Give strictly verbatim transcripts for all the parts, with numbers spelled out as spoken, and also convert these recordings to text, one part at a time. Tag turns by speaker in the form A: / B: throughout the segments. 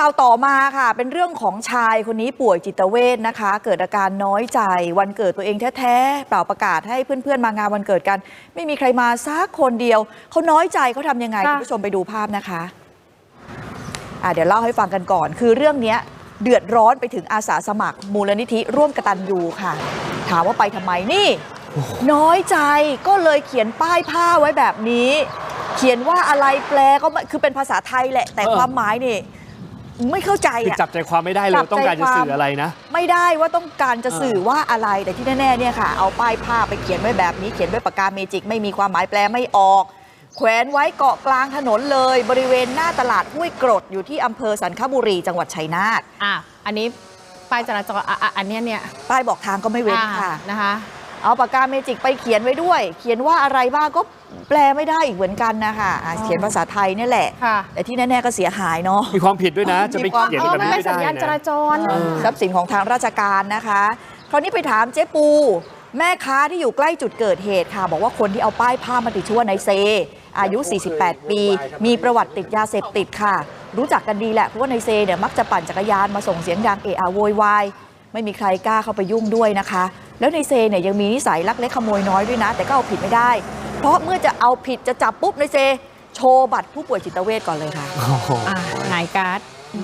A: ข่าวต่อมาค่ะเป็นเรื่องของชายคนนี้ป่วยจิตเวชนะคะเกิดอาการน้อยใจวันเกิดตัวเองแท้ๆเปล่าประกาศให้เพื่อนๆมางานวันเกิดกันไม่มีใครมาสักคนเดียวเขาน้อยใจเขาทำยังไงคุณผู้ชมไปดูภาพนะคะอ่ะเดี๋ยวเล่าให้ฟังกันก่อนคือเรื่องนี้เดือดร้อนไปถึงอาสาสมัครมูลนิธิร่วมกตัญญูค่ะถามว่าไปทำไมนี่น้อยใจก็เลยเขียนป้ายผ้าไว้แบบนี้เขียนว่าอะไรแปลก็คือเป็นภาษาไทยแหละแต่ความหมายนี่ไม่เข้าใจอ่ะ
B: จับใจความไม่ได้เลยต้องการจะสื่ออะไรนะ
A: ไม่ได้ว่าต้องการจะสื่อว่าอะไรแต่ที่แน่ๆเนี่ยค่ะเอาป้ายผ้าไปเขียนไว้แบบนี้เขียนด้วยปากกาเมจิกไม่มีความหมายแปลไม่ออกแขวนไว้เกาะกลางถนนเลยบริเวณหน้าตลาดห้วยกรดอยู่ที่อำเภอสันคบุรีจังหวัดชัยนาท
C: อ่ะอันนี้ป้ายจราจรอ่ะอันนี้เนี่ย
A: ป้ายบอกทางก็ไม่เว้นค่ะ
C: นะคะ
A: เอาปากกาเมจิกไปเขียนไว้ด้วยเขียนว่าอะไรบ้างก็แปลไม่ได้อีกเหมือนกันนะคะเขียนภาษาไทยนี่แหละแต่ที่แน่ๆก็เสียหายเนาะ
B: มีความผิดด้วยนะจะไปเขียนแบบนี้ไม่ได้นะ
C: สัญญาณจราจร
A: ทรัพย์สินของทางราชการนะคะคราวนี้ไปถามเจ๊ปูแม่ค้าที่อยู่ใกล้จุดเกิดเหตุค่ะบอกว่าคนที่เอาป้ายผ้ามาติดชื่อว่านายเซอายุสี่สิบแปดปีมีประวัติติดยาเสพติดค่ะรู้จักกันดีแหละเพราะว่านายเซเนี่ยมักจะปั่นจักรยานมาส่งเสียงดังเอะอะโวยวายไม่มีใครกล้าเข้าไปยุ่งด้วยนะคะแล้วนายเซเนี่ยยังมีนิสัยลักเล็กขโมยน้อยด้วยนะแต่ก็เอาผิดไม่ได้เพราะเมื่อจะเอาผิดจะจับปุ๊บนายเซโชว์บัตรผู้ป่วยจิตเวชก่อนเลยค่ะ
C: หงายการ์ด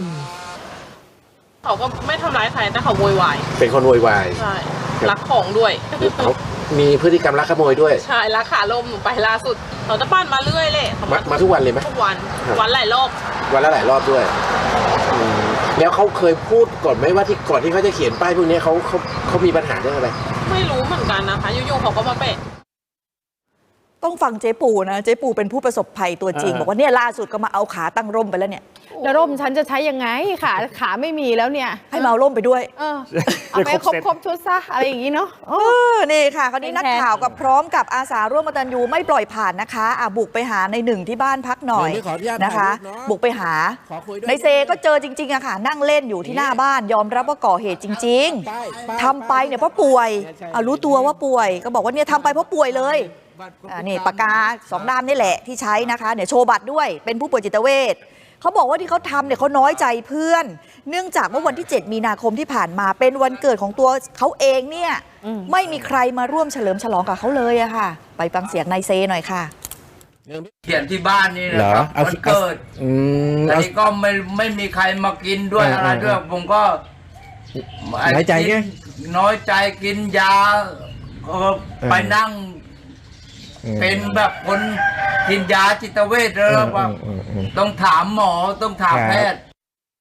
D: เขาก็ไม่ทำร้ายใครแต่เขาโวยวาย
E: เป็นคนโวยวาย
D: ใช่รักของด้วย
E: เขามีพฤติกรรมลักขโมยด้วย
D: ใช่รักขาลมหนูไปล่าสุดเขาจะปั้นมาเรื่อยเลย
E: มามาทุกวันเลยไหม
D: ทุกวันวันหลายรอบ
E: วันละหลายรอบด้วยแล้วเขาเคยพูดก่อนไหมว่าที่ก่อนที่เขาจะเขียนป้ายพวกนี้เขาเขาเขามีปัญหาเรื่องอะไร
D: ไม่รู้เหมือนกันนะคะอยู่ๆเขาก็มาเปะ
A: ต้องฟังเจ๊ปูนะเจ๊ปูเป็นผู้ประสบภัยตัวจริงบอกว่าเนี่ยล่าสุดก็มาเอาขาตั้งร่มไปแล้วเนี่ย
C: แล้วร่มฉันจะใช้ยังไงขาขาไม่มีแล้วเนี่ย
A: ให้มาเอาร่มไปด้วย
C: เออเอาไปครบครบชุดซะอะไรอย่างนี้เนาะ
A: เออนี่ค่ะคราวนี้นักข่าวกับพร้อมกับอาสาร่วมกตัญญูไม่ปล่อยผ่านนะคะอ่ะบุกไปหาในหนึ่งที่บ้านพักหน่อยนะคะบุกไปหาในเซก็เจอจริงๆอะค่ะนั่งเล่นอยู่ที่หน้าบ้านยอมรับว่าก่อเหตุจริงๆทำไปเนี่ยเพราะป่วยเอารู้ตัวว่าป่วยก็บอกว่าเนี่ยทำไปเพราะป่วยเลยนี่ปากกาสองด้ามนี่แหละที่ใช้นะคะเนี่ยโชว์บัตรด้วยเป็นผู้ป่วยจิตเวชเขาบอกว่าที่เขาทำเนี่ยเขาน้อยใจเพื่อนเนื่องจากเมื่อวันที่เจ็ดมีนาคมที่ผ่านมาเป็นวันเกิดของตัวเขาเองเนี่ยไม่มีใครมาร่วมเฉลิมฉลองกับเขาเลยอะค่ะไปฟังเสียงนายเซหน่อยค่ะ
F: เขียนที่บ้านนี่นะครับวันเกิดอันนี้ก็ไม่ไม่มีใครมากินด้วยอะไรด้วยผมก็
E: น้อยใจไง
F: น้อยใจกินยาไปนั่งเป็นแบบคนกินยาจิตเวชแล้วว่าต้องถามหมอต้องถามแพทย์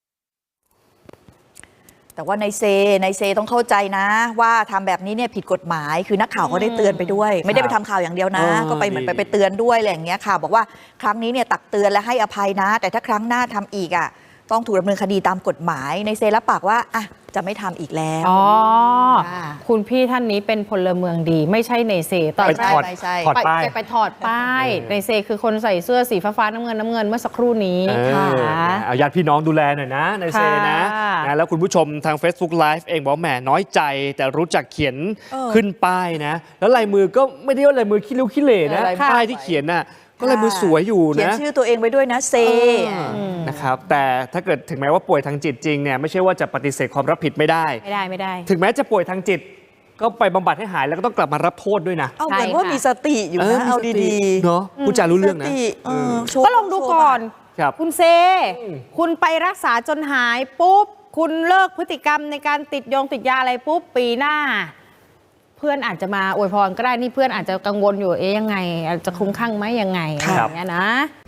A: แต่ว่าในเซในเซต้องเข้าใจนะว่าทำแบบนี้เนี่ยผิดกฎหมายคือนักข่าวก็ได้เตือนไปด้วยไม่ได้ไปทำข่าวอย่างเดียวนะก็ไปเหมือนไปไปเตือนด้วยอะไรอย่างเงี้ยค่ะบอกว่าครั้งนี้เนี่ยตักเตือนและให้อภัยนะแต่ถ้าครั้งหน้าทำอีกอ่ะต้องถูกดำเนินคดีตามกฎหมายในเซรับปากว่าอ่ะจะไม่ทำอีกแล้ว
C: อ๋อคุณพี่ท่านนี้เป็นพลเมืองดีไม่ใช่ในเซ
B: ตอนแรกถอดป้าย
C: ไปถอดป้ายในเซคือคนใส่เสื้อสีฟ้าน้ำเงินน้ำเงินเมื่อสักครู่นี้ค่ะ
B: เอาญาติพี่น้องดูแลหน่อยนะในเซนะแล้วคุณผู้ชมทาง Facebook Live เองบอกแหมน้อยใจแต่รู้จักเขียนขึ้นป้ายนะแล้วลายมือก็ไม่ได้ว่าลายมือขี้ริ้วขี้เหร่นะป้ายที่เขียนน่ะก็ลายมือสวยอยู่นะ
A: เขียนชื่อตัวเองไว้ด้วยนะเซ
B: นะครับแต่ถ้าเกิดถึงแม้ว่าป่วยทางจิตจริงเนี่ยไม่ใช่ว่าจะปฏิเสธความรับผิดไม่ได้
C: ไม่ได้ไม่ได้
B: ถึงแม้จะป่วยทางจิตก็ไปบำบัดให้หายแล้วก็ต้องกลับมารับโทษด้วยนะ
A: เอาเหมือนว่ามีสติอยู่นะเอาดี
B: ๆเนาะผู้จารู้เรื่องนะ
C: ก็ลองดูก่อนคุณเซคุณไปรักษาจนหายปุ๊บคุณเลิกพฤติกรรมในการติดยงติดยาอะไรปุ๊บปีหน้าเพื่อนอาจจะมาอวยพรก็ได้นี่เพื่อนอาจจะกังวลอยู่เอ๊ยยังไงอาจจะคลุ้มคลั่งไหมยังไงอย่างเงี้ยนะ